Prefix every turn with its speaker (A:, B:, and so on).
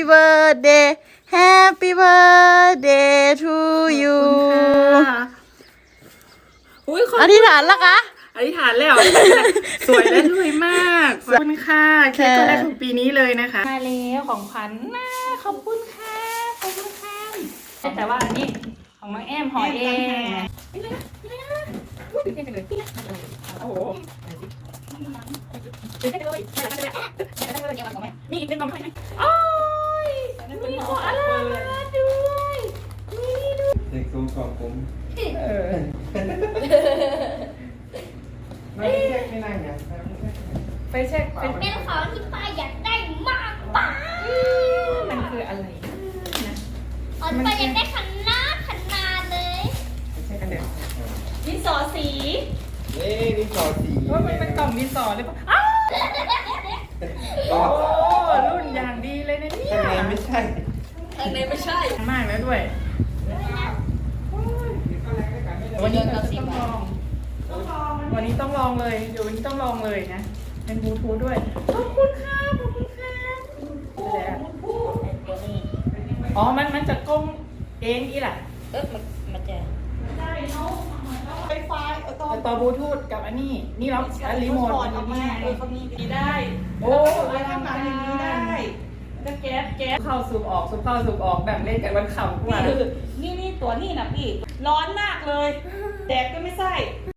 A: birthday Happy birthday to you อธิษฐานแล้วคะ
B: อธิษฐานแล้วสวยและรวยมากขอบคุณค่ะเค้กคนแรกของปีนี้เลยนะคะมาแล้วของขวัญนะขอบคุณค่ะขอบคุณค่ะแต่ว่าอันนี้ของน้องแอมห่อเองโอ้โหมีอีกเป็นกล่องไหมโอ้ยมีของอะไรด้วย
C: เด็กสูงกว่าผมไม่เช็คไม่นั่งไง
B: ไปเช็ค
D: เป็นของที่ป้าอยากได้มากป้า
B: มันคืออะไรนะ
D: ป้าอยากได้ขนาดเลย
B: ใช่กันเดี๋ยวดินสอสี
C: นี่สอสี
B: ว่ามันเป็นกล่องดินสอหรือเปล่าอ้าวโอ้รุ่นอย่างดีเลยนะเนี่ย
C: ข้างในไม่ใช่
B: มากแล้วด้วยวันนี้เราต้องลองวันนี้ต้องลองเลยเดี๋ยววันนี้ต้องลองเลยนะเป็นบลูทูธด้วยขอบคุณค่ะขอบคุณค่ะอ๋อมันจะก้มเองอีหล่ะ
D: มันจะ
B: ได้เนาะไฟฟ้าต่อบลูทูธกับอันนี้นี่เรารีโมทอันนี้
E: เขามีดีได้
B: โอ้ทำงานอย่างนี้ได้ก็แก๊สเข้าสูบออกสูบเข้าสูบออกแบบเล่นกันวันขำกว่า
E: นี่ตัวนี่นะพี่ร้อนมากเลยแดดก็ไม่ใส่